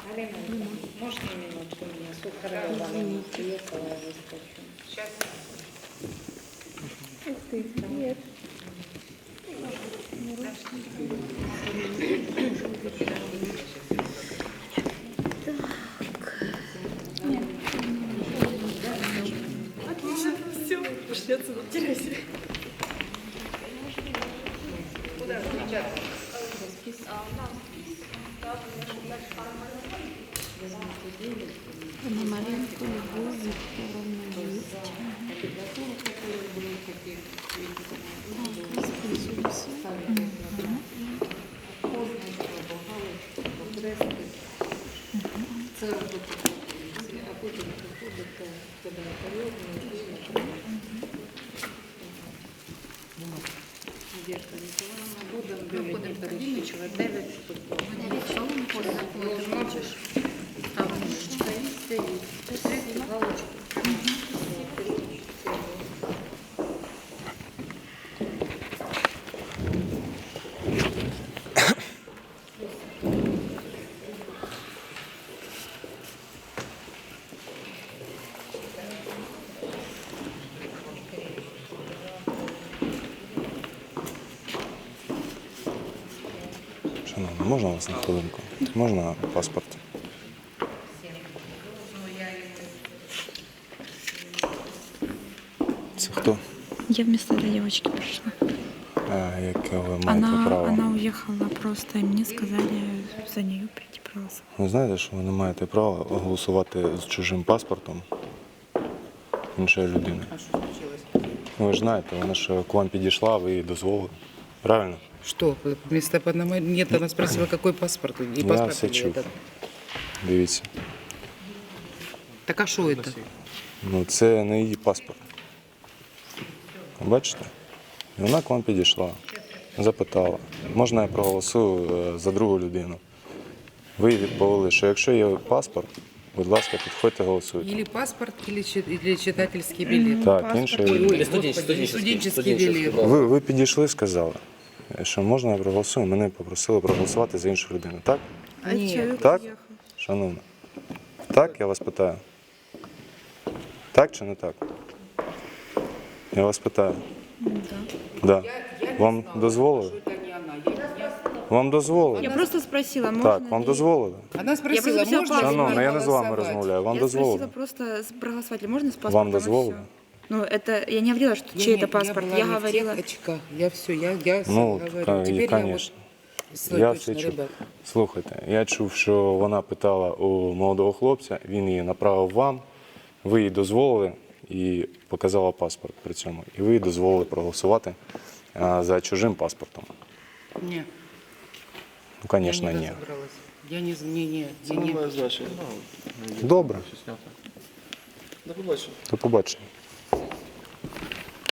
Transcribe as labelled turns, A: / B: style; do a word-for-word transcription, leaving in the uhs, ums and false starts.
A: Галина, можно минутку меня? Сухарева Галина приехала, я выскочу. Сейчас.
B: Ух ты, привет.
C: Отлично, все, пошли отсюда, теряйся. Куда включаться?
B: На Маринку Любовь Викторовна есть. Так, воспользуемся.
A: Це робити поліції, а потім приходите туди періодно. Надежда Ніколаївна, будемо бюлетні пересвідчувати. дев'ять спокійно. Можеш. А ручка і стоїть. Це галочку.
D: Шановна, можна вас на хвилинку? Можна паспорт? Це хто?
B: Я вместо этой девочки пришла.
D: А, яке ви маєте
B: Она,
D: право?
B: она уехала просто, и мне сказали за нее прийти проголосовать.
D: Ви знаєте, що ви не маєте права голосувати з чужим паспортом іншої людини?
E: А что случилось?
D: Ви ж знаєте, вона ж к вам підійшла, ви їй дозволили. Правильно?
E: Что? Вместо одного... Нет, она спросила, какой паспорт. И
D: Я
E: паспорт
D: все
E: или
D: чув.
E: этот?
D: Дивіться.
E: Так а что это?
D: Ну, це не її паспорт. Бачите? І вона к вам підійшла, запитала, можна я проголосую е, за другу людину. Ви їй відповіли, що якщо є паспорт, будь ласка, підходьте, голосуйте.
E: Или паспорт, или, чи- или читательский билет.
D: Так, іншої
E: Ой,
D: людини.
E: ой,
F: студенческий,
E: господи,
F: студенческий,
E: студенческий билет.
F: студенческий.
D: Ви, ви підійшли, сказали, що можна я проголосую, мене попросили проголосувати за іншу людину. Так?
B: А
E: Нет.
B: человек
D: Так?
B: уехал.
D: Шановна. Так, я вас питаю. Так чи не так? Я вас питаю. Да. Вам дозволили? Вам дозволили?
B: Я просто спросила, можно
D: Так, вам
B: ли-
D: дозволили?
E: Она спросила,
B: просто взяла
E: можно ли
B: паспорт.
D: Шановна, я не з вами
E: голосовать?
D: розмовляю. Вам
B: Я спросила
D: дозволили?
B: просто с- проголосовать ли можно с паспортом.
D: Вам
B: и
D: дозволили?
B: всё. Ну, это я не говорила, что
E: Я
B: чей
E: не-
B: это паспорт.
E: Я,
B: Я,
E: была не в
B: говорила.
E: тех очках. Я все, я, я
D: Ну,
E: говорю.
D: ка-
E: Теперь я
D: конечно.
E: вот свой
D: Я
E: точно,
D: все чув.
E: ребят.
D: Слухайте, я чув, що вона питала у молодого хлопця, він її направив вам, ви їй дозволили і показала паспорт при цьому. І ви їй дозволили проголосувати а, за чужим паспортом.
E: Не,
D: Ну,
E: я
D: звісно,
E: не
D: ні.
E: разобралась. Я не, не, не, я не.
F: Моя задача.
D: Добре,
F: До побачення.
D: до побачення.